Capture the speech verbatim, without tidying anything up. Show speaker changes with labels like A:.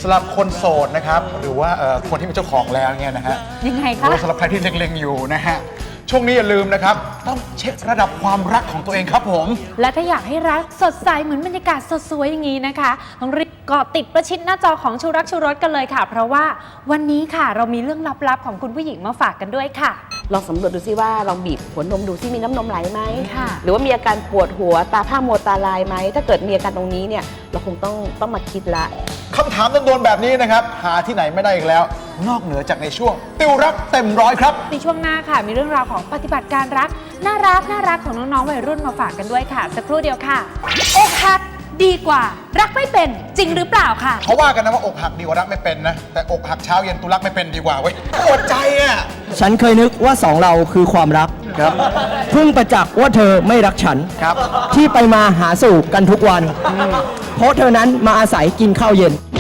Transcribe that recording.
A: สำหรับคนโสดนะครับหรือว่าคนที่เป็นเจ้าของแล้วเนี่ยนะฮะ
B: ยังไง
A: ห
B: คะ
A: รือว่าสำหรับใครที่เล็งๆอยู่นะฮะช่วงนี้อย่าลืมนะครับต้องเช็คระดับความรักของตัวเองครับผม
B: และถ้าอยากให้รักสดใสเหมือนบรรยากาศสดสวยอย่างนี้นะคะต้องรีบเกาะติดประชิดหน้าจอของชูรักชูรสกันเลยค่ะ เพราะว่าวันนี้ค่ะเรามีเรื่องลับๆของคุณผู้หญิงมาฝากกันด้วยค่ะ
C: ลองสำรวจดูซิว่าลองบีบหัวนมดูซิมีน้ำนมไหลไหม
B: ค่ะ
C: หรือว่ามีอาการปวดหัวตาผ้ามัวตาลายไหมถ้าเกิดมีอาการตรงนี้เนี่ยเราคงต้องต้องมาคิดละ
A: คำถามโดนๆแบบนี้นะครับหาที่ไหนไม่ได้อีกแล้ว นอกเหนือจากในช่วงติวรักเต็มร้อยครับ
B: ในช่วงหน้าค่ะมีเรื่องราวของปฏิบัติการรักน่ารักน่ารักของน้องๆวัยรุ่นมาฝากกันด้วยค่ะสักครู่เดียวค่ะอกหักดีกว่ารักไม่เป็นจริงหรือเปล่าค่ะ
A: เขาว่ากันนะว่าอกหักดีกว่ารักไม่เป็นนะแต่อกหักเช้าเย็นตุรักไม่เป็นดีกว่าเว้ยปวดใจอ่ะ
D: ฉันเคยนึกว่าสองเราคือความรักครับเพิ่งประจักษ์ว่าเธอไม่รักฉัน
A: ครับ
D: ที่ไปมาหาสู่กันทุกวัน เพราะเธอนั้นมาอาศัยกินข้าวเย็น